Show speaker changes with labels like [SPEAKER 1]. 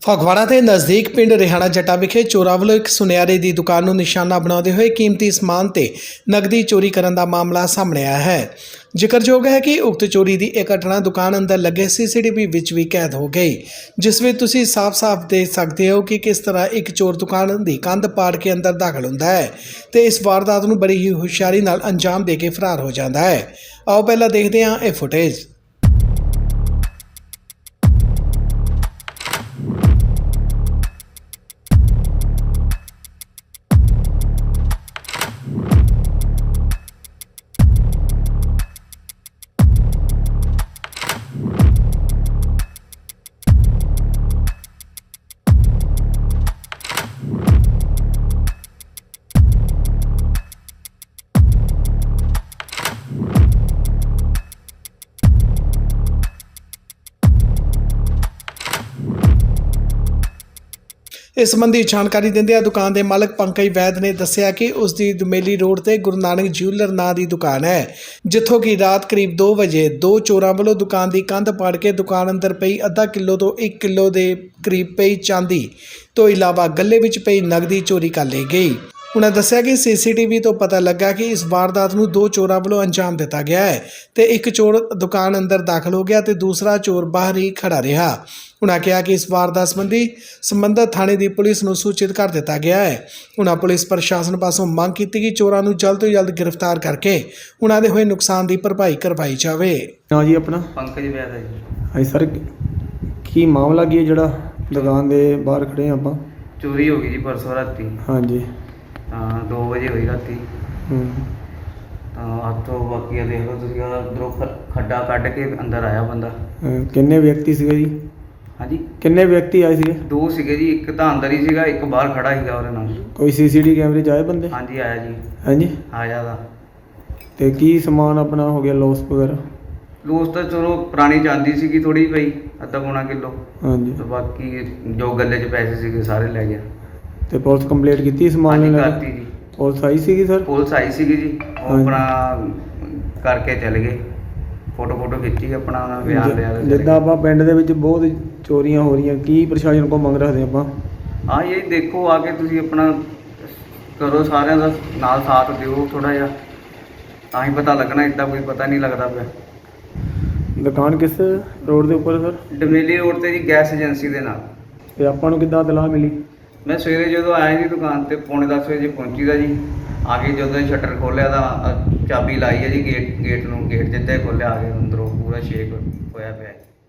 [SPEAKER 1] ਫਗਵਾੜਾ ਦੇ ਨਜ਼ਦੀਕ ਪਿੰਡ ਰਿਹਾਣਾ ਜੱਟਾ ਵਿਖੇ ਚੋਰਾਂ ਵੱਲੋਂ ਇੱਕ ਸੁਨਿਆਰੇ ਦੀ ਦੁਕਾਨ ਨੂੰ ਨਿਸ਼ਾਨਾ ਬਣਾਉਂਦੇ ਹੋਏ ਕੀਮਤੀ ਸਮਾਨ ਤੇ ਨਕਦੀ ਚੋਰੀ ਕਰਨ ਦਾ ਮਾਮਲਾ ਸਾਹਮਣੇ ਆਇਆ ਹੈ। ਜ਼ਿਕਰਯੋਗ ਹੈ ਕਿ ਉਕਤ ਚੋਰੀ ਦੀ ਇਹ ਘਟਨਾ ਦੁਕਾਨ ਅੰਦਰ ਲੱਗੇ ਸੀਸੀਟੀਵੀ ਵਿੱਚ ਵੀ ਕੈਦ ਹੋ ਗਈ, ਜਿਸ ਵਿੱਚ ਤੁਸੀਂ ਸਾਫ਼-ਸਾਫ਼ ਦੇਖ ਸਕਦੇ ਹੋ ਕਿ ਕਿਸ ਤਰ੍ਹਾਂ ਇੱਕ ਚੋਰ ਦੁਕਾਨ ਦੀ ਕੰਧ ਪਾੜ ਕੇ ਅੰਦਰ ਦਾਖਲ ਹੁੰਦਾ ਹੈ ਤੇ ਇਸ ਵਾਰਦਾਤ ਨੂੰ ਬੜੀ ਹੀ ਹੁਸ਼ਿਆਰੀ ਨਾਲ ਅੰਜਾਮ ਦੇ ਕੇ ਫਰਾਰ ਹੋ ਜਾਂਦਾ ਹੈ। ਆਓ ਪਹਿਲਾਂ ਦੇਖਦੇ ਹਾਂ ਇਹ ਫੁਟੇਜ। इस संबंधी जानकारी देंदे दुकान के मालक पंकज वैद ने दस्सिया कि उसकी दुमेली रोड से गुरु नानक ज्यूलर नां की दुकान है, जिथों की रात करीब 2 बजे दो चोरों वालों दुकान की कंध पाड़ के दुकान अंदर पई आधा किलो तो 1 किलो के करीब पई चांदी तो इलावा गले विच पई नकदी चोरी कर ली गई। उन्होंने दस्सिया कि सीसीटीवी तो पता लगा कि इस वारदात नूं 2 चोरों वालों अंजाम दिता गया है तो एक चोर दुकान अंदर दाखिल हो गया तो दूसरा चोर बाहर ही खड़ा रहा। उन्होंने कहा कि इस वारदात संबंधी संबंधित थाने की पुलिस नूं सूचित कर दिता गया है। उन्होंने पुलिस प्रशासन पासों मांग की कि चोरों नूं जल्द तो जल्द गिरफ्तार करके उन्होंने होए नुकसान की भरपाई करवाई जाए।
[SPEAKER 2] हाँ जी, अपना
[SPEAKER 3] पंकज वैद है जी।
[SPEAKER 2] हाँ सर, की मामला की है जड़ा दुकान के बाहर खड़े हैं आप?
[SPEAKER 3] चोरी हो गई जी परसों राती।
[SPEAKER 2] हाँ जी।
[SPEAKER 3] 2 बजे हुई राती।
[SPEAKER 2] हम्म।
[SPEAKER 3] हथों बाकी देख लो तुसीं अंदरों खड्डा कढ़ के अंदर आया बंदा।
[SPEAKER 2] किन्ने व्यक्ति सीगे जी?
[SPEAKER 3] हाँ जी,
[SPEAKER 2] किन्ने व्यक्ति आए सीगे?
[SPEAKER 3] 2 सीगे जी, एक तो अंदर ही सीगा, एक बाहर खड़ा सीगा ਉਹਦੇ ਨਾਲ।
[SPEAKER 2] कोई सीसीटीवी कैमरे च आए बंदे?
[SPEAKER 3] हाँ जी, आया जी।
[SPEAKER 2] हाँ जी।
[SPEAKER 3] आया था।
[SPEAKER 2] ते की समान अपना हो गया लॉस वगैरह?
[SPEAKER 3] ਲੋਸ ਤਾਂ ਚਲੋ ਪੁਰਾਣੀ ਚਾਂਦੀ ਸੀਗੀ ਥੋੜੀ ਪਈ, ਅੱਧਾ ਪੌਣਾ ਕਿਲੋ।
[SPEAKER 2] हाँ जी।
[SPEAKER 3] ਤੇ ਬਾਕੀ ਜੋ ਗੱਲੇ 'ਚ ਪੈਸੇ ਸੀਗੇ ਸਾਰੇ ਲੈ ਗਿਆ।
[SPEAKER 2] ਤੇ ਪੁਲਿਸ ਕੰਪਲੀਟ ਕੀਤੀ ਸਮਾਨ
[SPEAKER 3] ਹਾਂਜੀ
[SPEAKER 2] ਨੂੰ ਲੈ
[SPEAKER 3] ਕਰਤੀ
[SPEAKER 2] ਕੇ?
[SPEAKER 3] ਜੀ।
[SPEAKER 2] ਪੁਲਿਸ ਆਈ ਸੀਗੀ ਸਰ?
[SPEAKER 3] ਪੁਲਿਸ ਆਈ ਸੀਗੀ ਜੀ, ਉਹ
[SPEAKER 2] ਹਾਂਜੀ।
[SPEAKER 3] ਆਪਣਾ ਕਰਕੇ ਚਲੇ ਗਏ, ਫੋਟੋ ਖਿੱਚੀ, ਆਪਣਾ ਬਿਆਨ ਲਿਆ ਤੇ ਚਲੇ
[SPEAKER 2] ਜਿੱਦਾਂ ਆਪਾਂ ਪਿੰਡ ਦੇ ਵਿੱਚ ਬਹੁਤ ਚੋਰੀਆਂ ਹੋ ਰਹੀਆਂ, ਕੀ ਪ੍ਰਸ਼ਾਸਨ ਕੋਲ ਮੰਗ ਰੱਖਦੇ ਆਪਾਂ?
[SPEAKER 3] ਹਾਂ ਇਹ ਦੇਖੋ ਆ ਕੇ ਤੁਸੀਂ ਆਪਣਾ ਕਰੋ, ਸਾਰਿਆਂ ਦਾ ਨਾਲ ਸਾਥ ਦਿਓ ਥੋੜਾ ਜਿਹਾ, ਤਾਂ ਹੀ ਪਤਾ ਲੱਗਣਾ, ਇੱਦਾਂ ਕੋਈ ਪਤਾ ਨਹੀਂ ਲੱਗਦਾ ਪਿਆ।
[SPEAKER 2] ਦੁਕਾਨ ਕਿਸ ਰੋਡ ਦੇ ਉੱਪਰ ਸਰ?
[SPEAKER 3] ਡਮੇਲੀ ਰੋਡ ਤੇ ਜੀ, ਗੈਸ ਏਜੰਸੀ ਦੇ ਨਾਲ।
[SPEAKER 2] ਤੇ ਆਪਾਂ ਨੂੰ ਕਿੱਦਾਂ ਇਤਲਾਹ ਮਿਲੀ?
[SPEAKER 3] ਮੈਂ ਸਵੇਰੇ ਜਦੋਂ ਆਇਆ ਜੀ ਦੁਕਾਨ ਤੇ 9:45 ਵਜੇ ਪਹੁੰਚੀ ਦਾ ਜੀ। ਆ ਕੇ ਜਦੋਂ ਸ਼ਟਰ ਖੋਲ੍ਹਿਆ ਤਾਂ ਚਾਬੀ ਲਾਈ ਹੈ ਜੀ, ਗੇਟ ਨੂੰ, ਗੇਟ ਜਿੱਦਾਂ ਹੀ ਖੋਲ੍ਹਿਆ ਆ ਕੇ ਅੰਦਰੋਂ ਪੂਰਾ ਸ਼ੇਕ ਹੋਇਆ ਪਿਆ।